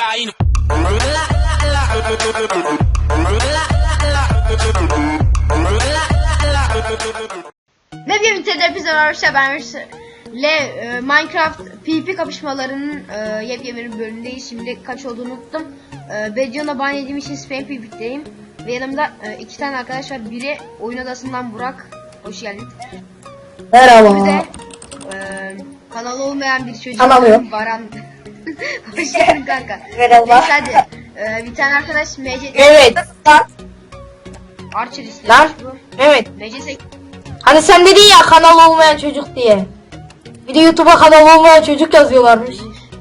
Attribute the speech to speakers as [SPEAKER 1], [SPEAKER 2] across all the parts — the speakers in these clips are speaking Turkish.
[SPEAKER 1] cocaína.
[SPEAKER 2] Ne diyeyim hepinize arkadaşlar, ben Minecraft PvP kapışmalarının yepyeni bir bölümündeyiz. Şimdi kaç olduğunu unuttum. Bedion'a ban yediğim için spam PvP'deyim. Ve yanımda iki tane arkadaş var. Biri oyun odasından Burak. Hoş geldin.
[SPEAKER 3] Merhaba.
[SPEAKER 2] Bir de kanalı olmayan bir çocuk.
[SPEAKER 3] Kanal yok.
[SPEAKER 2] Baran. Hoş geldin kanka.
[SPEAKER 3] Merhaba.
[SPEAKER 2] Neyse hadi. Bir tane arkadaş MC.
[SPEAKER 3] Evet.
[SPEAKER 2] Archer istemiş
[SPEAKER 3] Lan.
[SPEAKER 2] bu.
[SPEAKER 3] Evet.
[SPEAKER 2] MC.
[SPEAKER 3] Hani sen dedin ya kanal olmayan çocuk diye. Bir de YouTube'a kanal olmayan çocuk yazıyorlarmış.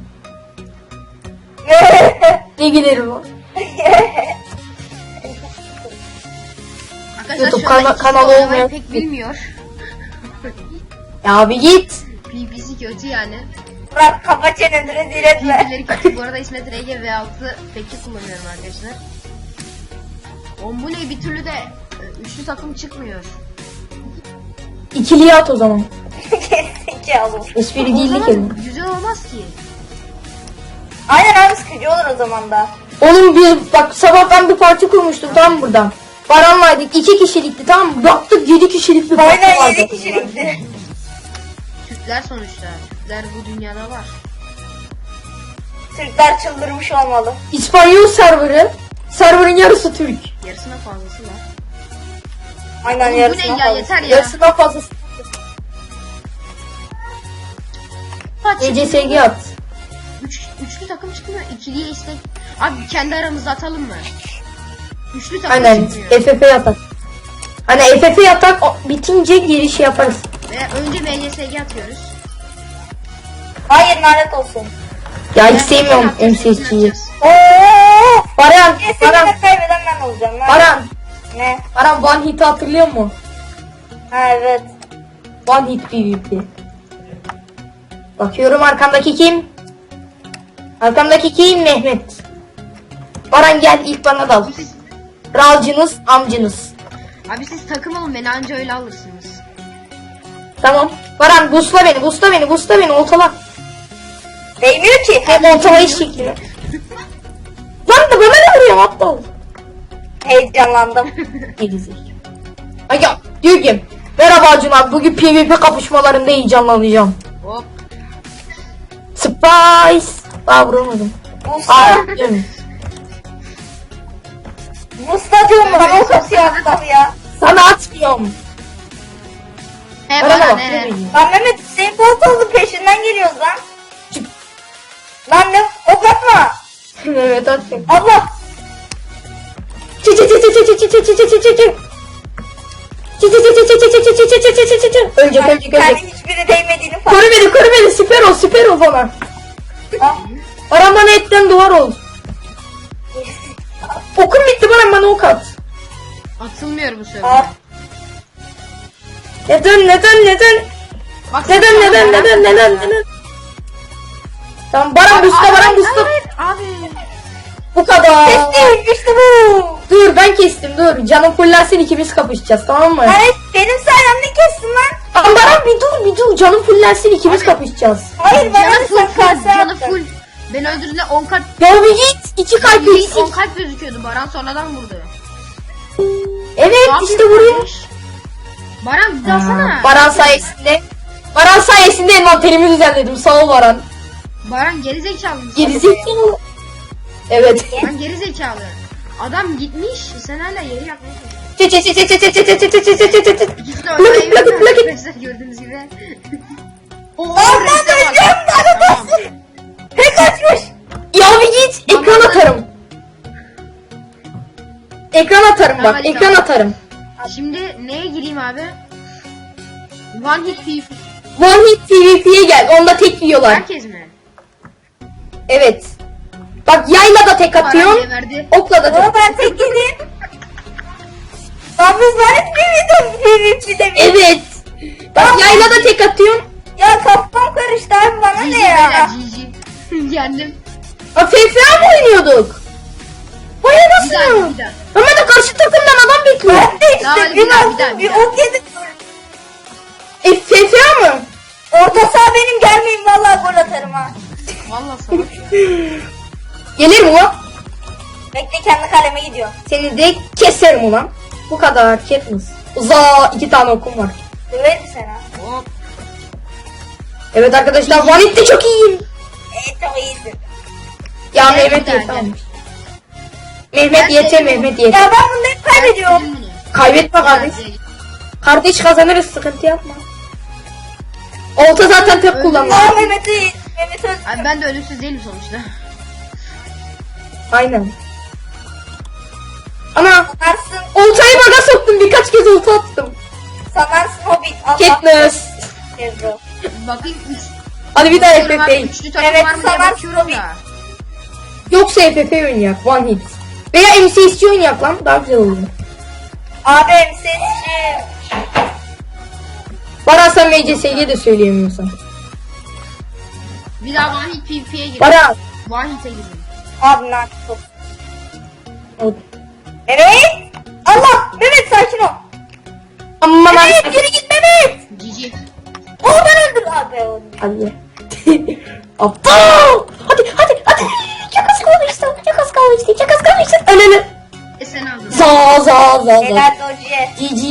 [SPEAKER 3] Ne giderim o?
[SPEAKER 2] Arkadaşlar
[SPEAKER 3] YouTube
[SPEAKER 2] şu anda ikisi de
[SPEAKER 3] kanalı
[SPEAKER 2] oynamayı
[SPEAKER 3] olmayan-
[SPEAKER 2] pek bilmiyor.
[SPEAKER 3] Ya bir git.
[SPEAKER 2] PvP'si kötü yani.
[SPEAKER 4] Bırak kapa çeneni rezil etme.
[SPEAKER 2] PvP'leri kötü. Bu arada İsmet RG V6 peki kullanıyorum arkadaşlar. Oğlum bu ne, bir türlü de üçlü takım çıkmıyor.
[SPEAKER 3] İkiliye at o zaman.
[SPEAKER 4] Gerizekalı.
[SPEAKER 3] Espri
[SPEAKER 2] O
[SPEAKER 3] değildi
[SPEAKER 2] zaman
[SPEAKER 3] kelime.
[SPEAKER 2] güzel olmaz ki.
[SPEAKER 4] Aynen abi, sıkıcı olur o zaman da.
[SPEAKER 3] Oğlum biz bak sabah ben bir parti kurmuştum tam buradan. Baran'laydık 2 kişilikti tamam mı? Baktık 7 kişilik bir parti
[SPEAKER 4] Aynen
[SPEAKER 3] vardı.
[SPEAKER 4] 7 kişilikti.
[SPEAKER 2] Türkler sonuçta. Türkler bu dünyada var.
[SPEAKER 4] Türkler çıldırmış olmalı.
[SPEAKER 3] İspanyol serverı. Serverın yarısı Türk.
[SPEAKER 2] Yarısına fazlası var.
[SPEAKER 4] Aynen
[SPEAKER 2] Oğlum bu
[SPEAKER 4] yarısına
[SPEAKER 2] ne ya,
[SPEAKER 4] fazla.
[SPEAKER 2] yeter ya.
[SPEAKER 3] Yarısından fazlası. ECSG at.
[SPEAKER 2] Üçlü takım çıkmıyor. İkiliye istek. Abi kendi aramızda atalım mı? Üçlü takım
[SPEAKER 3] Aynen
[SPEAKER 2] çıkmıyor.
[SPEAKER 3] FF yatak. Hani FF yatak bitince giriş yaparız.
[SPEAKER 2] Ve önce MCSG atıyoruz.
[SPEAKER 4] Hayır, lanet olsun.
[SPEAKER 3] Ya hiç
[SPEAKER 2] Yani
[SPEAKER 3] sevmiyorum
[SPEAKER 2] hepsini atacağız,
[SPEAKER 3] MCSG'yi.
[SPEAKER 2] hepsini
[SPEAKER 4] Ooo.
[SPEAKER 3] Baran, Baran,
[SPEAKER 4] Kesinlikle kaybeden ben olacağım.
[SPEAKER 3] Baran.
[SPEAKER 4] Ne?
[SPEAKER 3] Baran One Hit'i hatırlıyor musun?
[SPEAKER 4] Ha evet.
[SPEAKER 3] One Hit PvP. Bakıyorum arkamdaki kim? Arkamdaki kim? Mehmet. Baran gel ilk bana dal.
[SPEAKER 2] Siz-
[SPEAKER 3] Ralcınız, amcınız.
[SPEAKER 2] Abi siz takım olun, beni anca öyle alırsınız.
[SPEAKER 3] Tamam. Baran busla beni, busla beni, busla beni, oltala.
[SPEAKER 4] Değmiyor ki.
[SPEAKER 3] Hem oltalayış şekli. Lan da bana ne vuruyor aptal?
[SPEAKER 4] Heyecanlandım.
[SPEAKER 3] Gerizekalı. Ay ya diyor ki merhaba Acun abi, bugün PvP kapışmalarında heyecanlanacağım.
[SPEAKER 2] Hop.
[SPEAKER 3] Surprise. Daha vuramadım.
[SPEAKER 4] Musta.
[SPEAKER 3] Aa diyorum.
[SPEAKER 4] Musta diyorum bana, o kasıyor aptal ya.
[SPEAKER 3] Sana atmıyorum.
[SPEAKER 2] He
[SPEAKER 3] Bana
[SPEAKER 2] bana
[SPEAKER 3] bak.
[SPEAKER 2] ne?
[SPEAKER 4] Lan Mehmet, senin post oldu, peşinden geliyoruz lan.
[SPEAKER 3] Çık.
[SPEAKER 4] Lan ne? Ok atma.
[SPEAKER 3] Evet atmıyorum.
[SPEAKER 4] Allah.
[SPEAKER 3] Çı çı çı çı çı çı çı çı çı çı çı çı çı. Çı çı çı çı çı çı çı çı çı çı çı çı çı çı. Ölecek ölecek
[SPEAKER 4] Yani
[SPEAKER 3] ölecek.
[SPEAKER 4] hiçbiri değmediğini fark
[SPEAKER 3] Koru beni koru beni, süper ol bana.
[SPEAKER 4] Ah.
[SPEAKER 3] Baran bana etten duvar ol. Okum bitti Baran, bana ok at.
[SPEAKER 2] Atılmıyor bu sefer.
[SPEAKER 4] Ah.
[SPEAKER 3] Neden?
[SPEAKER 2] Bak,
[SPEAKER 3] Neden? Tamam Baran busta, Baran busta.
[SPEAKER 2] Abi.
[SPEAKER 3] Bu kadar.
[SPEAKER 4] Kestim, işte bu.
[SPEAKER 3] Dur ben kestim dur. Canım fullensin, ikimiz kapışacağız tamam mı?
[SPEAKER 4] Hayır, benim sayemde kestin lan.
[SPEAKER 3] Ama Baran bir dur. Canım fullensin, ikimiz
[SPEAKER 2] Abi.
[SPEAKER 3] kapışacağız.
[SPEAKER 4] Hayır, bana
[SPEAKER 2] Canı
[SPEAKER 4] da
[SPEAKER 2] full
[SPEAKER 4] sen
[SPEAKER 2] full.
[SPEAKER 4] kase
[SPEAKER 2] Canı
[SPEAKER 4] attın.
[SPEAKER 2] full. Beni öldürdüğünde 10 kalp.
[SPEAKER 3] Ya bir git. 2 kalp
[SPEAKER 2] İlk
[SPEAKER 3] eksik.
[SPEAKER 2] 10 kalp gözüküyordu. Baran sonradan vurdu.
[SPEAKER 3] Evet
[SPEAKER 2] Ne
[SPEAKER 3] işte
[SPEAKER 2] yapıyor
[SPEAKER 3] vuruyor.
[SPEAKER 2] kardeş? Baran bir dalsana.
[SPEAKER 3] Baran sayesinde envanterimi düzenledim. Sağ ol Baran.
[SPEAKER 2] Baran geri zekalı.
[SPEAKER 3] Gerizekalı. Evet.
[SPEAKER 2] Baran geri zekalı. Adam gitmiş. Sen hala yeri yapmaya çalışıyorsun.
[SPEAKER 3] Çı çı çı çı çı çı çı çı çı çı çı çı çı.
[SPEAKER 2] İkisi de oynayı
[SPEAKER 3] Plak it, plak it.
[SPEAKER 2] arkadaşlar, gördüğünüz gibi. Oo,
[SPEAKER 4] Aman
[SPEAKER 2] reste bak.
[SPEAKER 4] öleceğim, lanet
[SPEAKER 2] Tamam.
[SPEAKER 4] olsun. Pek açmış.
[SPEAKER 3] Ya bir git. Ekran atarım. Ekran atarım bak.
[SPEAKER 2] Hadi
[SPEAKER 3] Ekran
[SPEAKER 2] tamam.
[SPEAKER 3] atarım.
[SPEAKER 2] Şimdi neye gireyim abi? One hit PvP.
[SPEAKER 3] One hit PvP'ye gel. Onda tek yiyorlar.
[SPEAKER 2] Herkes mi?
[SPEAKER 3] Evet. Bak yayla da tek
[SPEAKER 2] Baran
[SPEAKER 3] atıyorsun.
[SPEAKER 2] geberdi.
[SPEAKER 3] Okla da tek.
[SPEAKER 4] Ama ben tek yedim. Lan biz lanet bir de.
[SPEAKER 3] Evet. Bak yayla da tek atıyorsun.
[SPEAKER 4] Ya kafam karıştı abi, bana
[SPEAKER 2] GG
[SPEAKER 4] ne
[SPEAKER 2] beyler,
[SPEAKER 4] ya?
[SPEAKER 2] GG. Yendim.
[SPEAKER 3] Ha FFA mı oynuyorduk? Vay
[SPEAKER 2] Bir
[SPEAKER 3] anasını.
[SPEAKER 2] daha.
[SPEAKER 3] Ama da karşı takımdan adam bekliyor.
[SPEAKER 4] Ben de
[SPEAKER 2] Daha
[SPEAKER 4] işte
[SPEAKER 2] bir
[SPEAKER 4] bir
[SPEAKER 2] daha,
[SPEAKER 4] baktım,
[SPEAKER 2] bir
[SPEAKER 4] bir
[SPEAKER 2] daha.
[SPEAKER 4] ok yedim.
[SPEAKER 3] FFA mı?
[SPEAKER 4] Orta saha benim, gelmeyin vallahi gol atarım ha.
[SPEAKER 2] Valla salak ya.
[SPEAKER 3] Gelir mi ulan?
[SPEAKER 4] Bekle kendi kaleme gidiyor.
[SPEAKER 3] Seni de keserim ulan. Bu kadar Katniss. Uza 2 tane okum var.
[SPEAKER 4] Döverim seni ha.
[SPEAKER 2] Hop.
[SPEAKER 3] Evet arkadaşlar Vanit'te çok iyiyim.
[SPEAKER 4] Çok iyisin.
[SPEAKER 3] Ya
[SPEAKER 2] Evet,
[SPEAKER 3] Mehmet
[SPEAKER 2] güzel,
[SPEAKER 3] yeter.
[SPEAKER 2] gel.
[SPEAKER 3] Mehmet
[SPEAKER 2] Ben
[SPEAKER 3] yeter,
[SPEAKER 2] seviyorum.
[SPEAKER 3] Mehmet yeter.
[SPEAKER 4] Ya ben bunu hep kaybediyorum.
[SPEAKER 2] Silin bunu.
[SPEAKER 3] Kaybetme kardeş. Kardeş kazanırız, sıkıntı yapma. Olta zaten tek kullanma.
[SPEAKER 4] Aa Mehmet'i. Mehmet öldü.
[SPEAKER 2] Abi ben de ölümsüz değilim sonuçta.
[SPEAKER 3] Aynen. Ana
[SPEAKER 4] Sanarsın.
[SPEAKER 3] oltayı baga soktum, birkaç kez olta attım.
[SPEAKER 4] Sanarsın Hobbit. Allah.
[SPEAKER 3] Katniss.
[SPEAKER 4] Ezro.
[SPEAKER 2] Bakayım 3.
[SPEAKER 3] Hadi bir daha FF.
[SPEAKER 2] Üçlü takım
[SPEAKER 4] Evet,
[SPEAKER 2] var mı diye
[SPEAKER 4] sana
[SPEAKER 2] bakıyorum
[SPEAKER 4] tabii.
[SPEAKER 2] da.
[SPEAKER 3] Yoksa FF oynayak, one hit. Veya MCSC oynayak lan, daha güzel olur.
[SPEAKER 4] Abi MSS'ci.
[SPEAKER 3] Baran sen MCSG de söyleyemiyorsan.
[SPEAKER 2] Bir daha One Hit PvP'ye girdim.
[SPEAKER 3] Baran.
[SPEAKER 2] One Hit'e girdim.
[SPEAKER 4] Abi lan çok.
[SPEAKER 3] O-
[SPEAKER 4] Evet. Allah. Mehmet sakin ol.
[SPEAKER 3] Aman
[SPEAKER 4] Mehmet
[SPEAKER 3] abi.
[SPEAKER 4] geri git Mehmet.
[SPEAKER 2] GG.
[SPEAKER 4] Oh ben öldüm abi. Öldüm.
[SPEAKER 3] Hadi. Aptal. Hadi. Çok az kalmıştı. Çok az kalmıştı. Ölene.
[SPEAKER 2] Sen aldın.
[SPEAKER 3] Za.
[SPEAKER 4] Helal Doji'ye.
[SPEAKER 3] GG.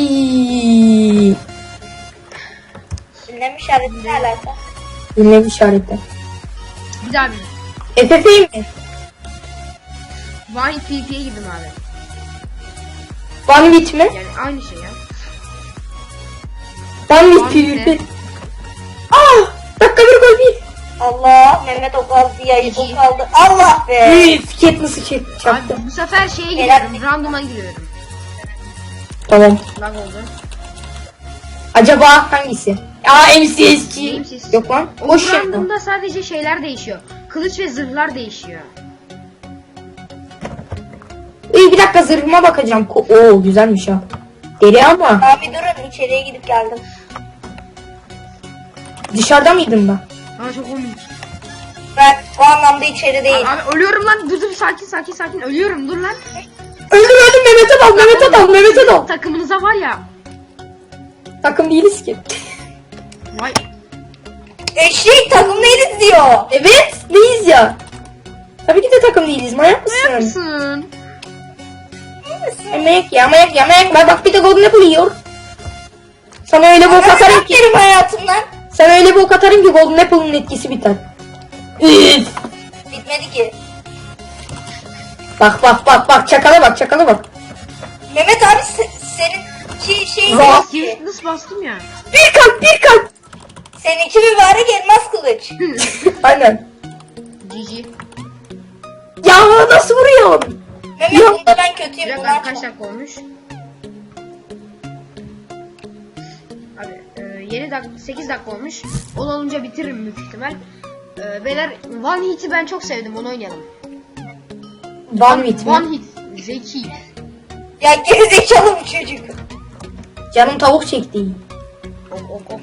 [SPEAKER 4] Ünlem işareti ne alaka?
[SPEAKER 3] Ünlem işareti.
[SPEAKER 2] Bir daha bir.
[SPEAKER 3] FF'yi mi?
[SPEAKER 2] One Hit PvP'ye girdim abi.
[SPEAKER 3] One hit mi?
[SPEAKER 2] Yani aynı şey ya.
[SPEAKER 3] One hit
[SPEAKER 2] One hit
[SPEAKER 3] PvP. Dakika bir gol bir.
[SPEAKER 4] Allah Mehmet o kaldı ya
[SPEAKER 2] İyi.
[SPEAKER 4] o kaldı. Allah be.
[SPEAKER 3] Üf, Katniss'ı çaktı.
[SPEAKER 2] Abi bu sefer şeye
[SPEAKER 4] Helal.
[SPEAKER 2] giriyorum. Random'a giriyorum.
[SPEAKER 3] Tamam.
[SPEAKER 2] Lag oldu.
[SPEAKER 3] Acaba hangisi? MCSG.
[SPEAKER 2] MCSG.
[SPEAKER 3] Yok lan.
[SPEAKER 2] O
[SPEAKER 3] Boş yapma.
[SPEAKER 2] random'da sadece şeyler değişiyor. Kılıç ve zırhlar değişiyor.
[SPEAKER 3] İyi bir dakika zırhıma bakacağım. Oo güzelmiş ha. Deli ama.
[SPEAKER 4] Abi durun içeriye gidip geldim.
[SPEAKER 3] Dışarıda mıydım ben?
[SPEAKER 2] Aa çok komik.
[SPEAKER 4] Ben o anlamda içeri değil.
[SPEAKER 2] Abi ölüyorum lan. Dur sakin. Ölüyorum dur lan.
[SPEAKER 3] Öldüm Mehmet'e dal.
[SPEAKER 2] Takımınıza var ya.
[SPEAKER 3] Takım değiliz ki.
[SPEAKER 2] Vay.
[SPEAKER 4] Eşek takım değiliz diyor.
[SPEAKER 3] Evet değiliz ya. Tabii ki de takım değiliz. Manyak
[SPEAKER 2] Ne
[SPEAKER 3] mısın?
[SPEAKER 2] yapsın?
[SPEAKER 3] Manyak. Bak bir de Golden Apple yiyor. Sana öyle bok atarım ki.
[SPEAKER 4] Benim hayatımdan.
[SPEAKER 3] Sana öyle bok atarım ki Golden Apple'ın etkisi biter. Üf.
[SPEAKER 4] Bitmedi ki.
[SPEAKER 3] Bak çakala bak.
[SPEAKER 4] Mehmet abi seninki şey
[SPEAKER 3] Rahat.
[SPEAKER 4] değil ki.
[SPEAKER 2] Nasıl bastım ya?
[SPEAKER 3] Bir kalp.
[SPEAKER 4] Seninki mübarek elmas kılıç.
[SPEAKER 3] Aynen.
[SPEAKER 2] GG.
[SPEAKER 3] Ya nasıl vuruyor?
[SPEAKER 4] Mehmet
[SPEAKER 3] Ya.
[SPEAKER 4] bunda ben kötüyüm.
[SPEAKER 2] Bir
[SPEAKER 4] Bunlar
[SPEAKER 2] dakika kaç
[SPEAKER 4] çok.
[SPEAKER 2] dakika olmuş? Abi 7 dakika 8 dakika olmuş. Onu olunca bitiririm büyük ihtimal. Beyler One Hit'i ben çok sevdim, onu oynayalım.
[SPEAKER 3] One hit mi?
[SPEAKER 2] One Hit zeki.
[SPEAKER 4] Ya gerizekalı bu çocuk.
[SPEAKER 3] Canım tavuk çekti.
[SPEAKER 2] Ok.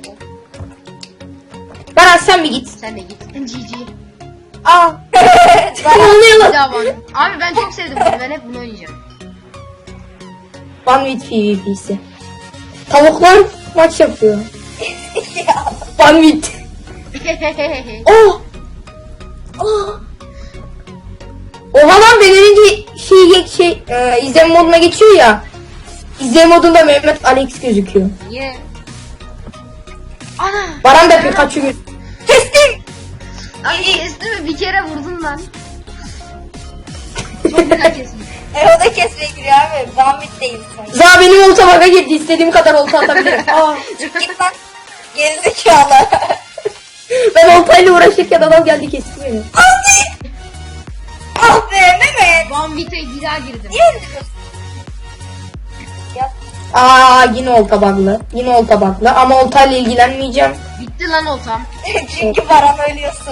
[SPEAKER 3] Baran sen mi git?
[SPEAKER 2] Sen de git. GG.
[SPEAKER 3] Aa.
[SPEAKER 4] Bana
[SPEAKER 3] Ne oluyor
[SPEAKER 2] Bir
[SPEAKER 3] lan?
[SPEAKER 2] daha One. Abi ben çok sevdim bunu. Ben hep bunu oynayacağım.
[SPEAKER 3] One with PvP'si. Tavuklar maç yapıyor.
[SPEAKER 4] ya.
[SPEAKER 3] One with. Oh. Oh. Oha lan ben önce izleme moduna geçiyor ya. İzleme modunda Mehmet Alex gözüküyor.
[SPEAKER 2] Niye? Ana.
[SPEAKER 3] Baran da Pikachu gözüküyor.
[SPEAKER 4] Kestim.
[SPEAKER 2] Abi kesti mi? Bir kere vurdun lan. Çok güzel kesmiş.
[SPEAKER 4] O da kesmeye giriyor abi. Zahmet değil sana.
[SPEAKER 3] Za benim olta baga girdi. İstediğim kadar olta atabilirim. Aa.
[SPEAKER 4] Git lan. Gerizekalı.
[SPEAKER 3] Ben oltayla uğraşırken adam geldi kesti beni.
[SPEAKER 4] Abi. Ah be Mehmet.
[SPEAKER 2] One Hit'e bir daha girdim.
[SPEAKER 4] Niye öldürüyorsun? Ya.
[SPEAKER 3] Aa yine olta baglı. Ama oltayla ilgilenmeyeceğim.
[SPEAKER 2] Bitti lan oltam.
[SPEAKER 4] Çünkü Baran ölüyorsun.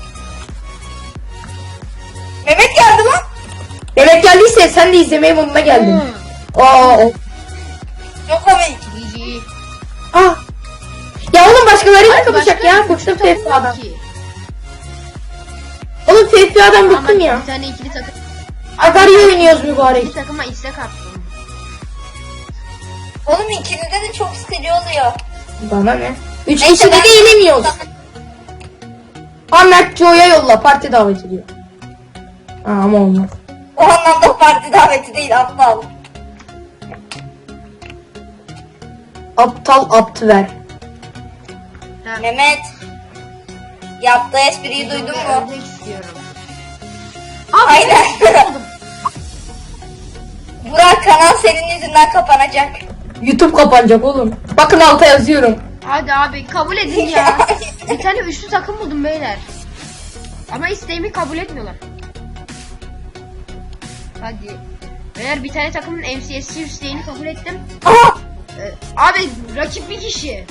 [SPEAKER 4] Mehmet geldi lan.
[SPEAKER 3] Mehmet geldiyse sen de izlemeye moduna geldin. Aa.
[SPEAKER 4] Çok komik.
[SPEAKER 2] GG.
[SPEAKER 3] Ah. Ya oğlum başkalarıyla
[SPEAKER 2] Abi
[SPEAKER 3] kapışacak
[SPEAKER 2] başka
[SPEAKER 3] ya.
[SPEAKER 2] bir
[SPEAKER 3] Bıktım
[SPEAKER 2] takım
[SPEAKER 3] FFA'dan.
[SPEAKER 2] yok ki.
[SPEAKER 3] Oğlum FFA'dan
[SPEAKER 2] Ama
[SPEAKER 3] bıktım ya.
[SPEAKER 2] Bir tane ikili takım.
[SPEAKER 3] Agario oynuyoruz mübarek.
[SPEAKER 2] İkili takıma istek attım.
[SPEAKER 4] Oğlum ikilide de çok sıkıcı oluyor.
[SPEAKER 3] Bana ne? 3
[SPEAKER 4] Neyse,
[SPEAKER 3] kişi de
[SPEAKER 4] ben-
[SPEAKER 3] eğleniyoruz. Ahmet Joe'ya yolla parti davet ediyor. Ama olmaz.
[SPEAKER 4] O anlamda parti daveti değil aptal.
[SPEAKER 3] Aptal aptı ver.
[SPEAKER 2] Ha,
[SPEAKER 4] Mehmet. Yaptığı espriyi duydun mu?
[SPEAKER 2] Ördek istiyorum. Abi
[SPEAKER 4] Aynen.
[SPEAKER 2] istemedim.
[SPEAKER 4] Burak kanal senin yüzünden kapanacak.
[SPEAKER 3] YouTube kapanacak oğlum. Bakın alta yazıyorum.
[SPEAKER 2] Hadi abi kabul edin ya. Bir tane üçlü takım buldum beyler. Ama isteğimi kabul etmiyorlar. Hadi. Beyler bir tane takımın MCSC isteğini kabul ettim.
[SPEAKER 3] Aha!
[SPEAKER 2] Abi rakip bir kişi.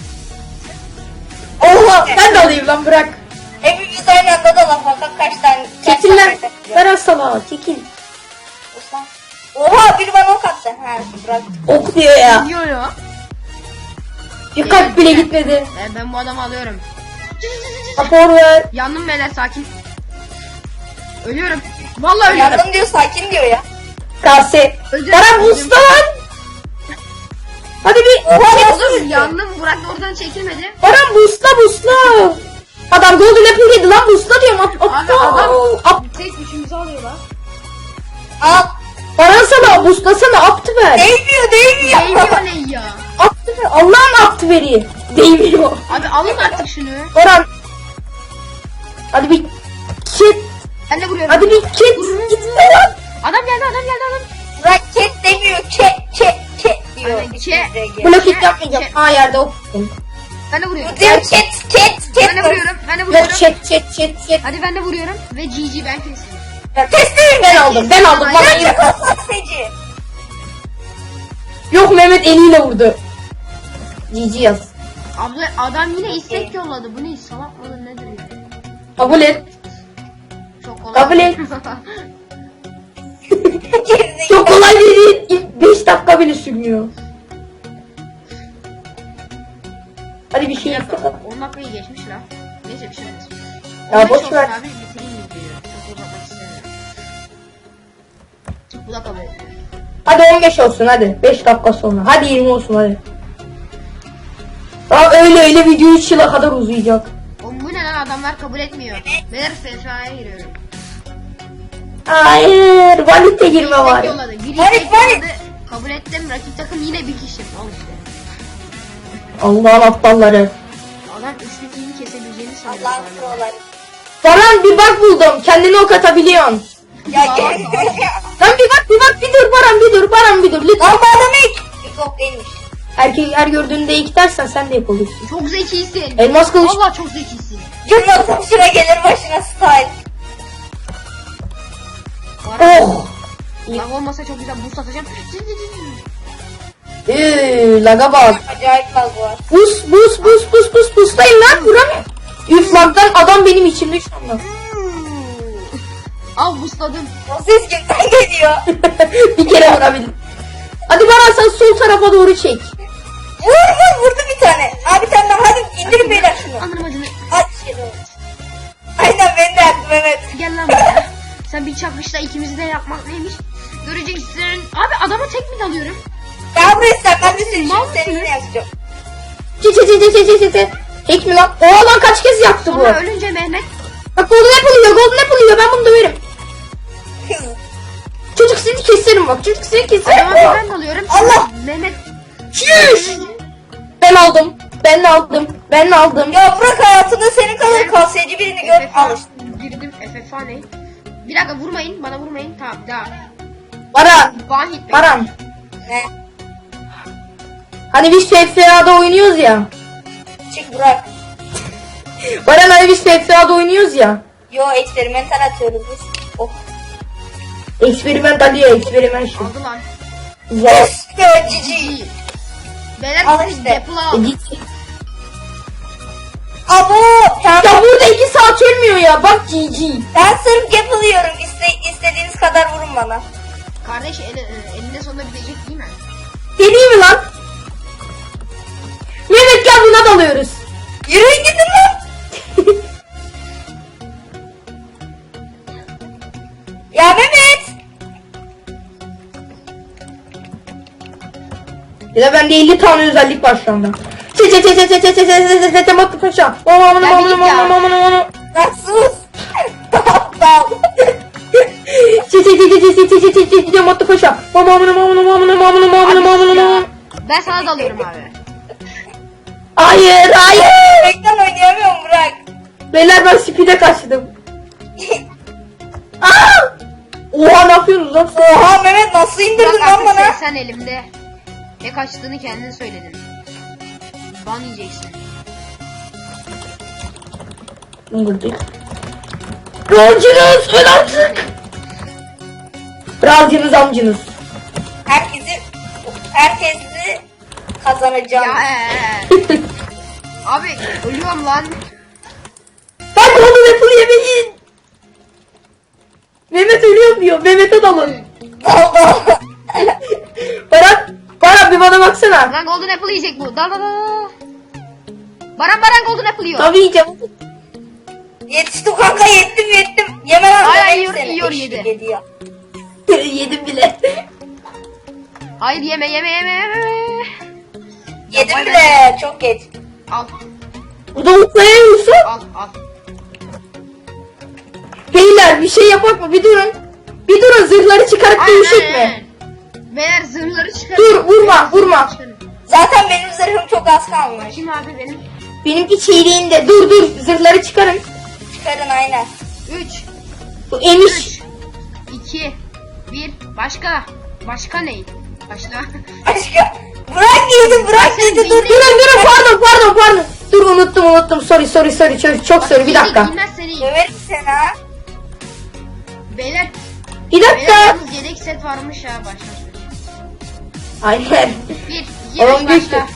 [SPEAKER 3] Oha! Ben de alayım lan bırak.
[SPEAKER 4] Hepimiz aynı anda da laf fakat kaç tane...
[SPEAKER 3] Çekil lan. Ver salağa çekil.
[SPEAKER 4] Osman. Oha biri bana ok attı. Ha Burak.
[SPEAKER 3] Ok diyor ya.
[SPEAKER 2] Diyor ya.
[SPEAKER 3] Bir kalp bile gitmedi.
[SPEAKER 2] Ben bu adamı alıyorum.
[SPEAKER 3] Rapor ver.
[SPEAKER 2] Yandım beyler sakin. Ölüyorum. Vallahi ölüyorum.
[SPEAKER 4] Yandım diyor sakin diyor ya.
[SPEAKER 3] Kase.
[SPEAKER 2] Öldüm.
[SPEAKER 3] Bana busta lan. Hadi bir.
[SPEAKER 2] Oğlum yandım. Burak da oradan çekilmedi.
[SPEAKER 3] Baran busla. Adam golden apple yedi lan busla diyorum.
[SPEAKER 2] Abi adam tek üçümüzü alıyor lan.
[SPEAKER 4] Al.
[SPEAKER 3] Baran sana buslasana aptı ver.
[SPEAKER 4] Değmiyor.
[SPEAKER 2] Değmiyor ne ya?
[SPEAKER 3] Aptı ver. Allah'ın aptı veri. Değmiyor.
[SPEAKER 2] Abi alın artık şunu.
[SPEAKER 3] Baran. Hadi bir kit.
[SPEAKER 2] Ben de vuruyorum.
[SPEAKER 3] Hadi bir kit. Gitme lan.
[SPEAKER 2] Adam geldi adam.
[SPEAKER 4] Burak ket demiyor. Ket diyor.
[SPEAKER 2] Aynen,
[SPEAKER 4] İçimizdeki.
[SPEAKER 3] Blok hit yapmayacağım. Ha yerde ok.
[SPEAKER 2] Ben de vuruyorum.
[SPEAKER 4] Bu diyor ket.
[SPEAKER 2] Ben de vuruyorum.
[SPEAKER 3] Yok chat.
[SPEAKER 2] Hadi ben de vuruyorum. Ve GG ben kestim.
[SPEAKER 4] Teslim.
[SPEAKER 3] Ben aldım. Bana
[SPEAKER 4] Ya
[SPEAKER 3] yine.
[SPEAKER 4] saksıcı.
[SPEAKER 3] Yok Mehmet eliyle vurdu. GG yaz.
[SPEAKER 2] Abla adam yine istek yolladı. Bu ne salak mıdır nedir ya?
[SPEAKER 3] Kabul et.
[SPEAKER 2] Çok kolay.
[SPEAKER 3] Kabul et. Çok kolay değil. İlk 5 dakika bile sürmüyor. Hadi bir şey yap.
[SPEAKER 2] 10 dakikayı geçmiş la. Neyse bir şey olmaz.
[SPEAKER 3] Ya
[SPEAKER 2] 15
[SPEAKER 3] boş
[SPEAKER 2] olsun
[SPEAKER 3] ver.
[SPEAKER 2] abi bitireyim videoyu. Çok uzatmak istemiyorum. Bu da kabul etmiyor.
[SPEAKER 3] Hadi 15 olsun hadi. 5 dakika sonra. Hadi 20 olsun hadi. Aa öyle video 3 yıla kadar uzayacak.
[SPEAKER 2] Oğlum bu ne lan adamlar kabul etmiyor. Beyler FFA'ya giriyorum.
[SPEAKER 3] Hayır. Valite girme
[SPEAKER 2] İstek
[SPEAKER 3] var.
[SPEAKER 2] yolladı. Biri
[SPEAKER 4] Varit,
[SPEAKER 2] istek
[SPEAKER 4] varit.
[SPEAKER 2] yolladı. Kabul ettim. Rakip takım yine bir kişi. Al işte.
[SPEAKER 3] Allah'ın aptalları.
[SPEAKER 2] Adam üçlü team'i kesebileceğini sanıyor.
[SPEAKER 4] Allah'ın
[SPEAKER 2] galiba.
[SPEAKER 4] proları.
[SPEAKER 3] Baran bir bak buldum. Kendini ok atabiliyorsun.
[SPEAKER 4] Ya gel.
[SPEAKER 3] Lan bir dur Baran bir dur lütfen.
[SPEAKER 4] Lan bu adam ilk. Yok değilmiş.
[SPEAKER 3] Erkek her gördüğünde ilk dersen sen de yapabilirsin.
[SPEAKER 2] Çok zekisin.
[SPEAKER 3] Elmas kılıç.
[SPEAKER 2] Vallahi çok zekisin.
[SPEAKER 4] Cümle şuna gelir başına style.
[SPEAKER 3] Oh.
[SPEAKER 2] Lag olmasa çok güzel boost atacağım.
[SPEAKER 3] Laga bak.
[SPEAKER 4] Acayip lag var.
[SPEAKER 3] Buslayın lan vuramıyorum. Üf lagdan adam benim içimde şu anda.
[SPEAKER 2] Al boostladım.
[SPEAKER 4] O ses kimden geliyor?
[SPEAKER 3] Bir kere vurabildim. Hadi Baran sen sol tarafa doğru çek.
[SPEAKER 4] Vurdu bir tane. Abi sen de hadi indirin beyler şunu.
[SPEAKER 2] Anırım acını.
[SPEAKER 4] At şey doğru. Aynen ben de yaptım Mehmet.
[SPEAKER 2] Gel lan buraya. Sen bir çakışla ikimizi de yapmak neymiş? Göreceksin. Abi adama tek mi dalıyorum?
[SPEAKER 4] Ya buraya sen ben de seni
[SPEAKER 2] Mal
[SPEAKER 4] şimdi
[SPEAKER 2] mısın?
[SPEAKER 4] seninle yazacağım.
[SPEAKER 3] Çek. Çek mi lan? Oo lan kaç kez yaptı bu.
[SPEAKER 2] Sonra ölünce Mehmet.
[SPEAKER 3] Bak golden apple yiyor ben bunu döverim. Çocuk seni keserim bak çocuk seni keserim.
[SPEAKER 2] Adama bir ben dalıyorum.
[SPEAKER 4] Allah!
[SPEAKER 2] Mehmet.
[SPEAKER 3] Şuş. Ben aldım.
[SPEAKER 4] Ya bırak hayatında senin kadar kasiyeci birini gör. Al işte.
[SPEAKER 2] Girdim FFA ne? Bir dakika vurmayın bana vurmayın. Tamam daha. One hit.
[SPEAKER 3] Baran.
[SPEAKER 4] Ne?
[SPEAKER 3] Hani biz FFA'da oynuyoruz ya.
[SPEAKER 4] Çık bırak.
[SPEAKER 3] Baran hani biz FFA'da oynuyoruz ya.
[SPEAKER 4] Yo eksperimental atıyoruz biz. Oh.
[SPEAKER 3] Eksperiment experiment şu.
[SPEAKER 2] Aldı lan.
[SPEAKER 3] Güzel.
[SPEAKER 4] Ya cici.
[SPEAKER 2] İyi. Beyler
[SPEAKER 4] Al
[SPEAKER 2] siz
[SPEAKER 4] işte.
[SPEAKER 2] Deadpool'u al.
[SPEAKER 4] Abo. Sen,
[SPEAKER 3] Ya burada 2 saat ölmüyor ya bak GG.
[SPEAKER 4] ben sırf yapılıyorum. İstediğiniz kadar vurun bana.
[SPEAKER 2] Kardeş elinde sonunda bitecek değil mi?
[SPEAKER 3] Deneyim mi lan? Mehmet gel buna dalıyoruz.
[SPEAKER 4] Yürüyün gidin lan. Ya Mehmet.
[SPEAKER 3] Ya da bende 50 tane özellik var şu anda. Paşa.
[SPEAKER 4] Lan sus. Aptal.
[SPEAKER 3] Motto paşa.
[SPEAKER 2] Ben sana dalıyorum abi.
[SPEAKER 3] Hayır hayır.
[SPEAKER 4] Bekten oynayamıyorum Burak.
[SPEAKER 3] Beyler ben speed'e kaçtım. Aa! Oha ne yapıyorsunuz lan?
[SPEAKER 4] Oha Mehmet nasıl indirdin
[SPEAKER 2] Bak
[SPEAKER 4] lan
[SPEAKER 2] artık
[SPEAKER 4] bana?
[SPEAKER 2] sen elimde. Ne kaçtığını kendin söyledin. Ban yiyeceksin.
[SPEAKER 3] Rolcunuz öl artık. Razcınız amcınız.
[SPEAKER 4] Herkesi kazanacağım.
[SPEAKER 2] Ya abi ölüyorum lan.
[SPEAKER 3] Ben golden apple yemeyin. Mehmet ölüyor diyor. Mehmet'e dalın.
[SPEAKER 4] Allah.
[SPEAKER 3] Baran bir bana baksana.
[SPEAKER 2] Lan golden apple yiyecek bu. Dal dal dal. Baran golden apple yiyor.
[SPEAKER 3] Tabii yiyeceğim.
[SPEAKER 4] Yetiştim kanka yettim. Yeme lan.
[SPEAKER 2] Ay,
[SPEAKER 4] Mehmet
[SPEAKER 2] yiyor,
[SPEAKER 4] seni.
[SPEAKER 2] yedi.
[SPEAKER 4] Eşlik ediyor.
[SPEAKER 3] Yedim bile.
[SPEAKER 2] Hayır yeme.
[SPEAKER 4] Yedim
[SPEAKER 2] vay
[SPEAKER 4] bile çok geç.
[SPEAKER 2] Al
[SPEAKER 3] Bu da mutlayamıyorsa.
[SPEAKER 2] al.
[SPEAKER 3] Beyler bir şey yapak mı? Bir durun. Bir durun zırhları çıkarıp dövüşecek mi?
[SPEAKER 2] Beyler zırhları çıkarın.
[SPEAKER 3] Dur, vurma.
[SPEAKER 2] Çıkarın.
[SPEAKER 4] Zaten benim zırhım çok az kalmış.
[SPEAKER 2] Kim abi benim?
[SPEAKER 3] Benimki çiğliğinde. Dur zırhları çıkarın.
[SPEAKER 4] Çıkarın aynen.
[SPEAKER 2] 3
[SPEAKER 3] Bu emiş.
[SPEAKER 2] 2 1 Başka ne? Başla.
[SPEAKER 4] Başka. Bırak yedi dur.
[SPEAKER 3] Durun pardon. Dur unuttum. Sorry. Çok sorry bir dakika.
[SPEAKER 2] Bilmez seni.
[SPEAKER 4] Döverim seni ha.
[SPEAKER 2] Beyler.
[SPEAKER 3] Bir
[SPEAKER 2] Beyler
[SPEAKER 3] dakika.
[SPEAKER 2] yalnız yedek set varmış ya başla.
[SPEAKER 3] Aynen.
[SPEAKER 2] 1 2
[SPEAKER 3] Oğlum
[SPEAKER 2] 3
[SPEAKER 3] düştü.
[SPEAKER 2] başla.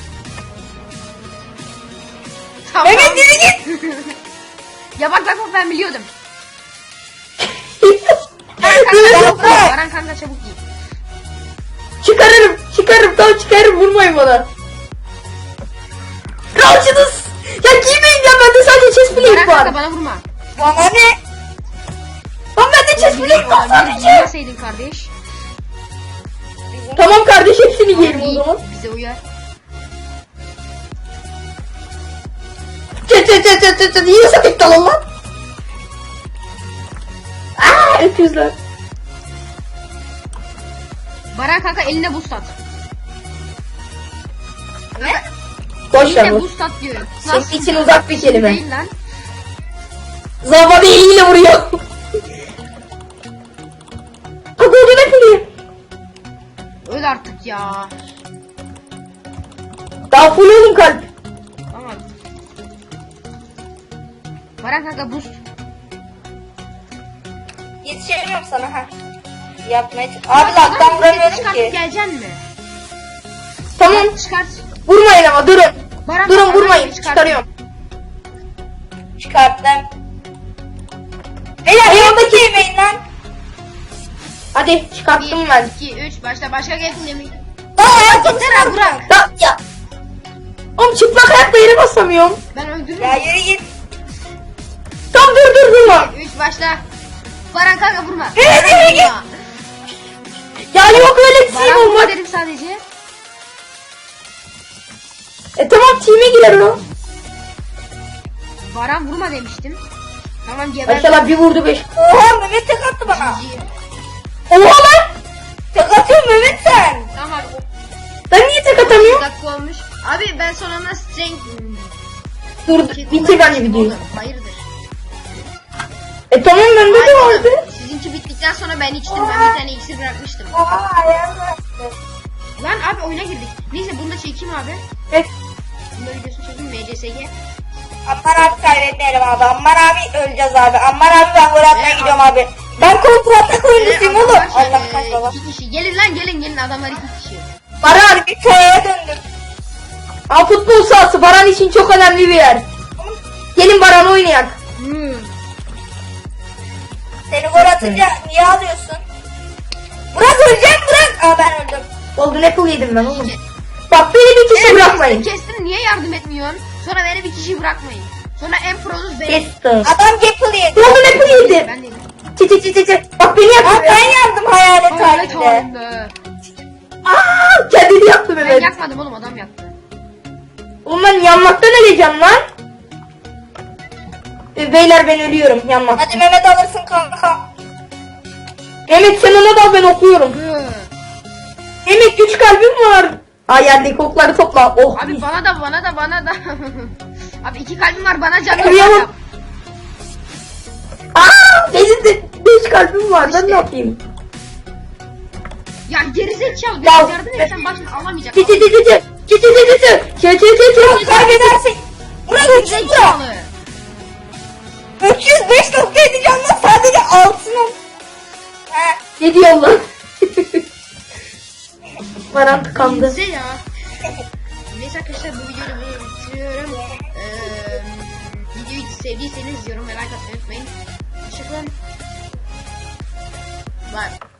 [SPEAKER 2] Tamam.
[SPEAKER 4] Mehmet yürü git.
[SPEAKER 2] Ya bak ben biliyordum.
[SPEAKER 3] Dur.
[SPEAKER 2] Baran kanka çabuk giy.
[SPEAKER 3] Çıkarırım vurmayın bana. Kralcınız. Ya giymeyin ya bende sadece chest
[SPEAKER 2] Baran
[SPEAKER 3] plate
[SPEAKER 2] kanka
[SPEAKER 3] var.
[SPEAKER 2] bana vurma.
[SPEAKER 4] Bana ne?
[SPEAKER 3] Lan bende chest plate var sadece.
[SPEAKER 2] Giymeseydin kardeş.
[SPEAKER 3] Tamam kardeş hepsini giyelim o zaman.
[SPEAKER 2] Bize uyar.
[SPEAKER 3] Çıt. Yine sapık dalın lan. Aaa öküzler.
[SPEAKER 2] Baran kanka eline boost at.
[SPEAKER 4] Ne?
[SPEAKER 3] Boş ver
[SPEAKER 2] Eline
[SPEAKER 3] bu.
[SPEAKER 2] boost at diyorum.
[SPEAKER 3] Senin için uzak bir kelime.
[SPEAKER 2] Değil lan.
[SPEAKER 3] Zabada eliyle vuruyor. Golden Apple.
[SPEAKER 2] Öl artık ya.
[SPEAKER 3] Daha full oğlum kalp.
[SPEAKER 2] Tamam. Baran kanka boost.
[SPEAKER 4] Yetişemiyorum sana ha. Yapmaya Abi laktan vuramıyorum
[SPEAKER 2] Çıkartıp
[SPEAKER 4] ki.
[SPEAKER 2] geleceksin mi?
[SPEAKER 3] Tamam.
[SPEAKER 2] Çıkart.
[SPEAKER 3] Vurmayın ama durun.
[SPEAKER 2] Baran
[SPEAKER 3] Durun
[SPEAKER 2] kanka,
[SPEAKER 3] vurmayın.
[SPEAKER 2] çıkart.
[SPEAKER 3] Çıkarıyorum.
[SPEAKER 4] Çıkarttım. Beyler yanındaki yemeyin lan.
[SPEAKER 3] Hadi çıkarttım
[SPEAKER 2] 1
[SPEAKER 3] ben.
[SPEAKER 2] 2 3 başla. Başka gelsin yemeği.
[SPEAKER 4] Aa
[SPEAKER 2] Yeter abi bırak.
[SPEAKER 3] Ya. Oğlum çıplak ayakla yere basamıyorum.
[SPEAKER 2] Ben öldürürüm.
[SPEAKER 4] Ya yürü git.
[SPEAKER 3] Tam dur vurma.
[SPEAKER 2] 3 başla. Baran kanka vurma.
[SPEAKER 4] Evet,
[SPEAKER 2] Baran
[SPEAKER 4] evet,
[SPEAKER 2] vurma.
[SPEAKER 3] Ya yok öyle
[SPEAKER 2] Baran
[SPEAKER 3] team
[SPEAKER 2] vurma
[SPEAKER 3] olmak.
[SPEAKER 2] dedim sadece.
[SPEAKER 3] Tamam team'e girer o.
[SPEAKER 2] Baran vurma demiştim. Tamam geber.
[SPEAKER 3] Maşallah bir vurdu 5.
[SPEAKER 4] Oha Mehmet tek attı bana.
[SPEAKER 2] GG.
[SPEAKER 3] Oha lan.
[SPEAKER 4] Tek atıyorsun Mehmet sen.
[SPEAKER 2] Tamam.
[SPEAKER 3] Ben niye tek
[SPEAKER 2] Bir
[SPEAKER 3] atamıyorum?
[SPEAKER 2] dakika olmuş. Abi ben sonunda strength...
[SPEAKER 3] Dur bitir bence videoyu.
[SPEAKER 2] Hayırdır?
[SPEAKER 3] Tamam bende de
[SPEAKER 2] Hayır,
[SPEAKER 3] vardı.
[SPEAKER 2] sizinki bittikten sonra ben içtim. Ben bir tane iksir bırakmıştım.
[SPEAKER 4] Oha ayağım bıraktı.
[SPEAKER 2] Lan abi oyuna girdik. Neyse bunu da çekeyim abi.
[SPEAKER 3] Evet.
[SPEAKER 2] Bunu da videosunu çekeyim. MCSG.
[SPEAKER 4] Ammar abi kaybetmeyelim abi. Ammar abi öleceğiz abi. Ammar abi ben gol atmaya
[SPEAKER 2] Evet,
[SPEAKER 4] gidiyorum abi. Ben kontratak oyuncusuyum oğlum.
[SPEAKER 2] Adamlar
[SPEAKER 4] Allah kaç baba.
[SPEAKER 2] 2 kişi. Gelin lan gelin adamlar 2 kişi.
[SPEAKER 3] Baran.
[SPEAKER 4] Bir köye döndüm.
[SPEAKER 3] Aa, futbol sahası Baran için çok önemli bir yer. Gelin Baran oynayak.
[SPEAKER 4] Seni gol atınca niye alıyorsun? Burak öleceğim Burak. Aa ben öldüm.
[SPEAKER 3] Golden Apple yedim ben oğlum. Bak beni bir kişi bırakmayın.
[SPEAKER 2] Kestin niye yardım etmiyorsun? Sonra beni bir kişi bırakmayın. Sonra en produz benim.
[SPEAKER 3] Kestim.
[SPEAKER 4] Adam Gapple yedi.
[SPEAKER 3] Golden Apple yedim.
[SPEAKER 2] Ben değilim.
[SPEAKER 3] Çi. Bak beni
[SPEAKER 4] Aa
[SPEAKER 3] yaktı.
[SPEAKER 4] ben yandım hayalet
[SPEAKER 2] Hayalet
[SPEAKER 4] halinde.
[SPEAKER 2] halinde.
[SPEAKER 3] Aaa kendini yaktı
[SPEAKER 2] Ben
[SPEAKER 3] Mehmet.
[SPEAKER 2] yakmadım oğlum adam yaktı.
[SPEAKER 3] Oğlum ben yanmaktan öleceğim lan. Beyler ben ölüyorum yanmaktan.
[SPEAKER 4] Hadi Mehmet alırsın kanka.
[SPEAKER 3] Mehmet sen ona da ben okuyorum.
[SPEAKER 2] Hı.
[SPEAKER 3] Mehmet 3 kalbim var. Ay yerdeki okları topla. Oh.
[SPEAKER 2] Abi bana da. Abi 2 kalbim var, bana canım
[SPEAKER 3] Kıyamam.
[SPEAKER 2] var.
[SPEAKER 3] Aa, benim de 5 kalbim var. Ben ne yapayım?
[SPEAKER 2] Ya gerizekalı,
[SPEAKER 3] Ya-
[SPEAKER 2] biraz yardım etsen bak şimdi alamayacak.
[SPEAKER 3] Çı çı çı çı çı. Çı çı çı çı çı. Çı çı çı çı.
[SPEAKER 4] Kaybedersek. Burak 300 lira.
[SPEAKER 2] Gerizekalı.
[SPEAKER 4] 305 nokta edeceğim lan sadece altını. He.
[SPEAKER 3] Ne diyorsun lan? Param tıkandı.
[SPEAKER 2] Neyse ya. Neyse arkadaşlar, bu videoyu böyle bitiriyorum. Videoyu sevdiyseniz yorum ve like atmayı unutmayın. Hoşçakalın. Bye.